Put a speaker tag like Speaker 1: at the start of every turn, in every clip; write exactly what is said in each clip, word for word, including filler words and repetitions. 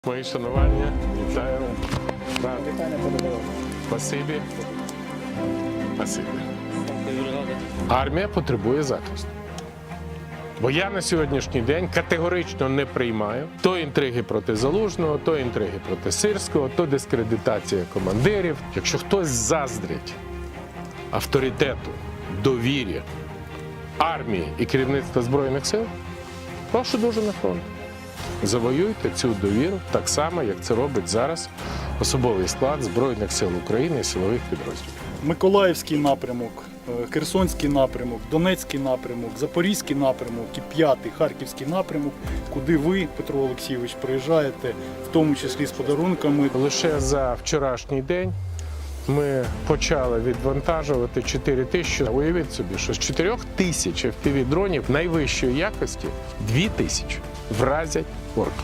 Speaker 1: Мої шанування, вітаю.
Speaker 2: Вітання подобало.
Speaker 1: Спасибі. Спасибі. Армія потребує захисту. Бо я на сьогоднішній день категорично не приймаю то інтриги проти Залужного, то інтриги проти Сирського, то дискредитація командирів. Якщо хтось заздрить авторитету, довірі армії і керівництва Збройних сил, прошу дуже на фронт. Завоюйте цю довіру так само, як це робить зараз особовий склад Збройних сил України і силових підрозділів.
Speaker 2: Миколаївський напрямок, Херсонський напрямок, Донецький напрямок, Запорізький напрямок і п'ятий Харківський напрямок, куди ви, Петро Олексійович, приїжджаєте, в тому числі з подарунками.
Speaker 1: Лише за вчорашній день ми почали відвантажувати чотири тисячі. Уявіть собі, що з чотирьох тисяч еф пі ві-дронів найвищої якості дві тисячі вразять орків.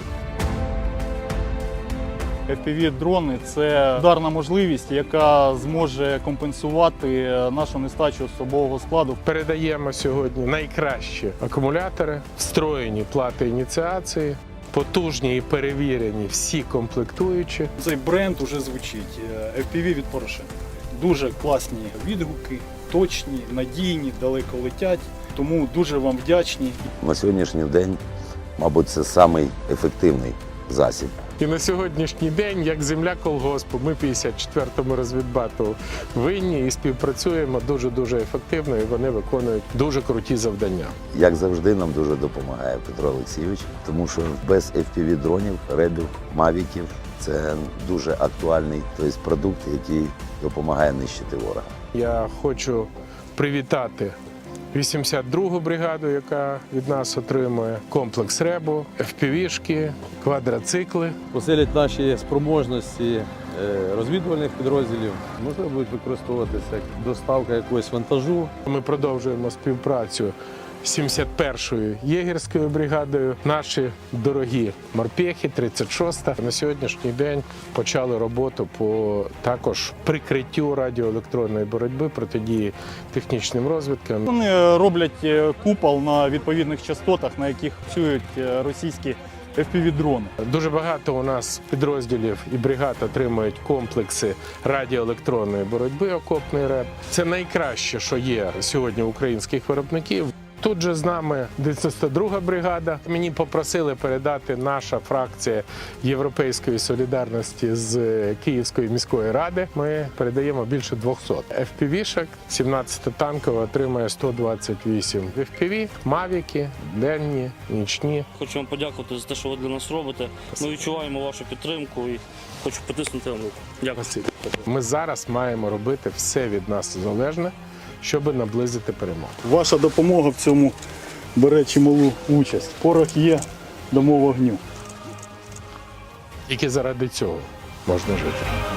Speaker 2: еф пі ві-дрони – це ударна можливість, яка зможе компенсувати нашу нестачу особового складу.
Speaker 1: Передаємо сьогодні найкращі акумулятори, встроєні плати ініціації, потужні і перевірені всі комплектуючі.
Speaker 2: Цей бренд уже звучить – еф пі ві від Порошенка. Дуже класні відгуки, точні, надійні, далеко летять. Тому дуже вам вдячні.
Speaker 3: На сьогоднішній день, мабуть, це самий ефективний засіб.
Speaker 1: І на сьогоднішній день, як земля колгоспу, ми п'ятдесят четвертому розвідбату винні і співпрацюємо дуже-дуже ефективно, і вони виконують дуже круті завдання.
Speaker 3: Як завжди, нам дуже допомагає Петро Олексійович, тому що без еф пі ві-дронів, ребів, мавіків – це дуже актуальний тобто, продукт, який допомагає нищити ворога.
Speaker 1: Я хочу привітати вісімдесят другу бригаду, яка від нас отримує комплекс РЕБу, еф пі ві-шки, квадроцикли.
Speaker 4: Посилять наші спроможності розвідувальних підрозділів, можливо, будуть використовуватися як доставка якогось вантажу.
Speaker 1: Ми продовжуємо співпрацю з сімдесят першою єгерською бригадою. Наші дорогі морпехи, тридцять шоста, на сьогоднішній день почали роботу по також прикриттю радіоелектронної боротьби, протидії технічним розвідкам.
Speaker 2: Вони роблять купол на відповідних частотах, на яких працюють російські еф пі ві-дрони.
Speaker 1: Дуже багато у нас підрозділів і бригад отримують комплекси радіоелектронної боротьби, окопний РЕБ. Це найкраще, що є сьогодні у українських виробників. Тут же з нами дев'яносто друга бригада. Мені попросили передати наша фракція Європейської солідарності з Київської міської ради. Ми передаємо більше двохсот еф пі ві-шок. сімнадцята танкова отримує сто двадцять вісім еф пі ві, мавіки, денні, нічні.
Speaker 5: Хочу вам подякувати за те, що ви для нас робите. Ми відчуваємо вашу підтримку і хочу потиснути вам руку. Дякую.
Speaker 1: Ми зараз маємо робити все від нас залежне, щоб наблизити перемогу.
Speaker 2: Ваша допомога в цьому бере чималу участь. Порох є, дамо вогню.
Speaker 1: Тільки заради цього можна жити.